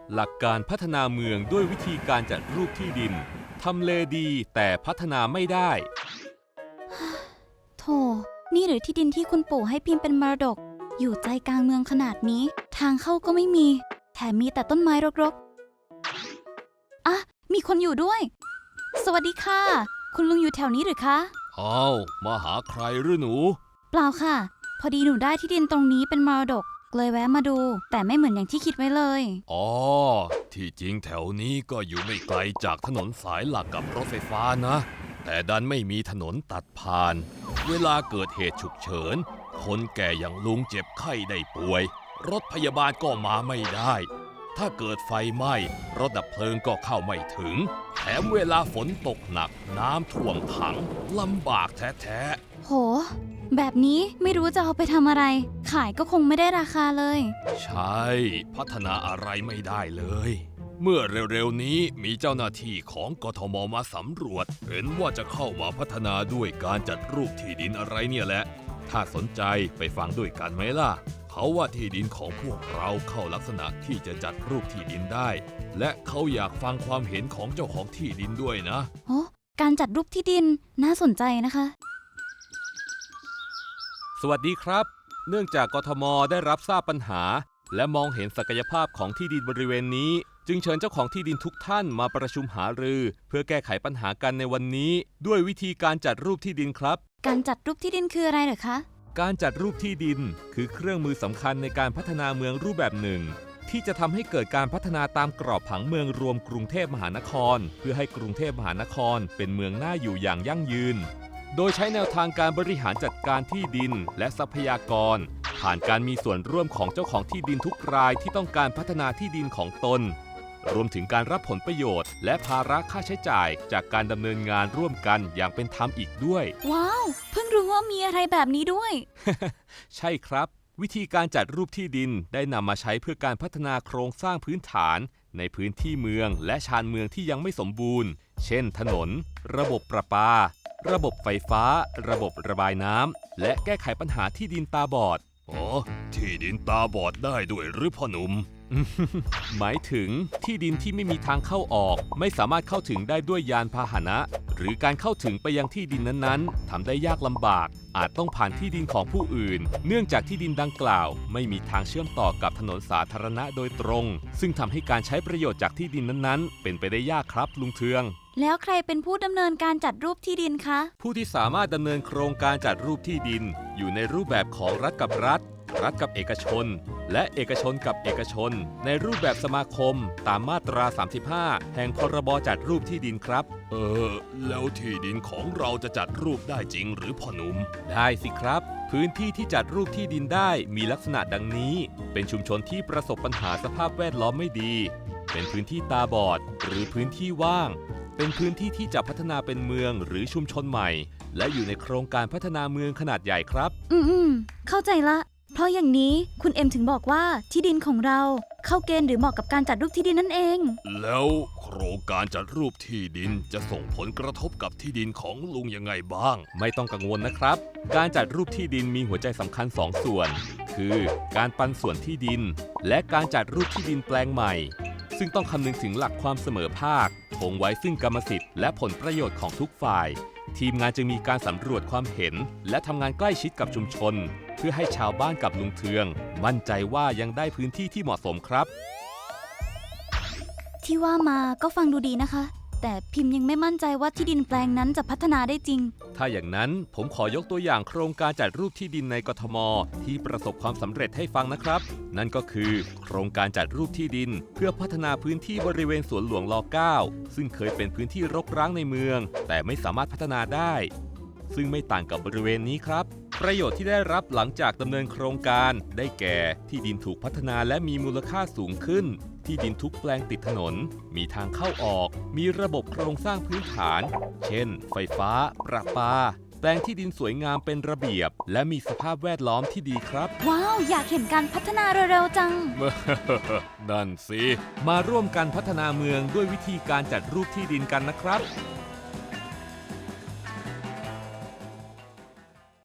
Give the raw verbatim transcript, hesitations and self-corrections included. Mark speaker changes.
Speaker 1: หลักการพัฒนาเมืองด้วยวิธีการจัดรูปที่ดินทำเลดีแต่พัฒนาไม่ได้
Speaker 2: โธ่นี่หรือที่ดินที่คุณปู่ให้พิมพ์เป็นมรดก อยู่ใจกลางเมืองขนาดนี้ ทางเข้าก็ไม่มี แถมมีแต่ต้นไม้รกๆอ่ะมีคนอยู่ด้วย สวัสดีค่ะ คุณลุงอยู่แถวนี้หรือคะ
Speaker 1: อ้าวมาหาใครหรือหนู
Speaker 2: เปล่าค่ะ พอดีหนูได้ที่ดินตรงนี้เป็นมรดกเลยแวะมาดู แต่ไม่เหมือนอย่างที่คิดไว้เลย
Speaker 1: อ๋อ ที่จริงแถวนี้ก็อยู่ไม่ไกลจากถนนสายหลักกับรถไฟฟ้านะ แต่ดันไม่มีถนนตัดผ่าน เวลาเกิดเหตุฉุกเฉิน คนแก่อย่างลุงเจ็บไข้ได้ป่วย รถพยาบาลก็มาไม่ได้ ถ้าเกิดไฟไหม้รถดับเพลิงก็เข้าไม่ถึง แถมเวลาฝนตกหนักน้ำท่วมขังลำบากแท้ๆ
Speaker 2: โห แบบนี้ไม่รู้จะเอาไปทำอะไร ขายก็คงไม่ได้ราคาเลย
Speaker 1: ใช่ พัฒนาอะไรไม่ได้เลย เมื่อเร็วๆนี้มีเจ้าหน้าที่ของกทมมาสำรวจ เห็นว่าจะเข้ามาพัฒนาด้วยการจัดรูปที่ดินอะไรเนี่ยแหละ ถ้าสนใจไปฟังด้วยกันไหมล่ะ เขาว่าที่ดินของพวกเราเข้าลักษณะที่จะจัดรูปที่ดินได้ และเขาอยากฟังความเห็นของเจ้าของที่ดินด้วยนะ
Speaker 2: โอ้การจัดรูปที่ดินน่าสนใจนะคะ
Speaker 1: สวัสดีครับ เนื่องจากกทมได้รับทราบปัญหา และมองเห็นศักยภาพของที่ดินบริเวณนี้ จึงเชิญเจ้าของที่ดินทุกท่านมาประชุมหารือ เพื่อแก้ไขปัญหากันในวันนี้ ด้วยวิธีการจัดรูปที่ดินครับ
Speaker 2: การจัดรูปที่ดินคืออะไรเหรอคะ
Speaker 1: การจัดรูปที่ดินคือเครื่องมือสำคัญในการพัฒนาเมืองรูปแบบหนึ่ง ที่จะทำให้เกิดการพัฒนาตามกรอบผังเมืองรวมกรุงเทพมหานคร เพื่อให้กรุงเทพมหานครเป็นเมืองน่าอยู่อย่างยั่งยืน โดยใช้แนวทางการบริหารจัดการที่ดินและทรัพยากร ผ่านการมีส่วนร่วมของเจ้าของที่ดินทุกรายที่ต้องการพัฒนาที่ดินของตน รวมถึงการรับผลประโยชน์ และภาระค่าใช้จ่ายจากการดำเนินงานร่วมกันอย่างเป็นธรรมอีกด้วย
Speaker 2: ว้าว เพิ่งรู้ว่ามีอะไรแบบนี้ด้วย
Speaker 1: ใช่ครับ วิธีการจัดรูปที่ดินได้นำมาใช้เพื่อการพัฒนาโครงสร้างพื้นฐาน ในพื้นที่เมืองและชานเมืองที่ยังไม่สมบูรณ์ เช่น ถนน ระบบประปา ระบบไฟฟ้า ระบบระบายน้ำ และแก้ไขปัญหาที่ดินตาบอด อ๋อ ที่ดินตาบอดได้ด้วยหรือพ่อหนุ่ม หมายถึงที่ดินที่ไม่มีทางเข้าออก ไม่สามารถเข้าถึงได้ด้วยยานพาหนะ หรือการเข้าถึงไปยังที่ดินนั้นๆทำได้ยากลำบาก อาจต้องผ่านที่ดินของผู้อื่น เนื่องจากที่ดินดังกล่าว ไม่มีทางเชื่อมต่อกับถนนสาธารณะโดยตรง ซึ่งทำให้การใช้ประโยชน์จากที่ดินนั้นๆ เป็นไปได้ยากครับลุงเทือง
Speaker 2: แล้วใครเป็นผู้ดำเนินการจัดรูปที่ดินคะ
Speaker 1: ผู้ที่สามารถดำเนินโครงการจัดรูปที่ดิน อยู่ในรูปแบบของรัฐกับรัฐ รัฐกับเอกชน และเอกชนกับเอกชน ในรูปแบบสมาคม ตามมาตรา สามสิบห้า แห่งพรบจัดรูปที่ดินครับ เออ แล้วที่ดินของเราจะจัดรูปได้จริงหรือพ่อหนุ่ม ได้สิครับ พื้นที่ที่จัดรูปที่ดินได้มีลักษณะดังนี้ เป็นชุมชนที่ประสบปัญหาสภาพแวดล้อมไม่ดี เป็นพื้นที่ตาบอด หรือพื้นที่ว่าง เป็นพื้นที่ที่จะพัฒนาเป็นเมืองหรือชุมชนใหม่ และอยู่ในโครงการพัฒนาเมืองขนาดใหญ่ครับ
Speaker 2: อืมอืมเข้าใจละ เพราะอย่างนี้คุณเอ็มถึงบอกว่าที่ดินของเรา เข้าเกณฑ์หรือเหมาะกับการจัดรูปที่ดินนั่นเอง
Speaker 1: แล้วโครงการจัดรูปที่ดินจะส่งผลกระทบกับที่ดินของลุงยังไงบ้าง ไม่ต้องกังวลนะครับ การจัดรูปที่ดินมีหัวใจสำคัญสองส่วน คือการปันส่วนที่ดิน และการจัดรูปที่ดินแปลงใหม่ ซึ่งต้องคำนึงถึงหลักความเสมอภาคคงไว้ซึ่งกรรมสิทธิ์และผลประโยชน์ของทุกฝ่าย ทีมงานจึงมีการสำรวจความเห็น และทำงานใกล้ชิดกับชุมชน เพื่อให้ชาวบ้านกับลุงเทือง มั่นใจว่ายังได้พื้นที่ที่เหมาะสมครับ
Speaker 2: ที่ว่ามาก็ฟังดูดีนะคะ แต่พิมพ์ยังไม่มั่นใจว่าที่ดินแปลงนั้นจะพัฒนาได้จริง
Speaker 1: ถ้าอย่างนั้นผมขอยกตัวอย่างโครงการจัดรูปที่ดินในกทมที่ประสบความสำเร็จให้ฟังนะครับ นั่นก็คือโครงการจัดรูปที่ดิน เพื่อพัฒนาพื้นที่บริเวณสวนหลวงร เก้า ซึ่งเคยเป็นพื้นที่รกร้างในเมือง แต่ไม่สามารถพัฒนาได้ ซึ่งไม่ต่างกับบริเวณนี้ครับ ประโยชน์ที่ได้รับหลังจากดำเนินโครงการได้แก่ที่ดินถูกพัฒนาและมีมูลค่าสูงขึ้น ที่ดินทุกแปลงติดถนน มีทางเข้าออก มีระบบโครงสร้างพื้นฐาน เช่น ไฟฟ้า ประปา แปลงที่ดินสวยงามเป็นระเบียบ และมีสภาพแวดล้อมที่ดีครับ
Speaker 2: ว้าว อยากเห็นการพัฒนาเร็วๆจัง
Speaker 1: นั่นสิ มาร่วมกันพัฒนาเมืองด้วยวิธีการจัดรูปที่ดินกันนะครับ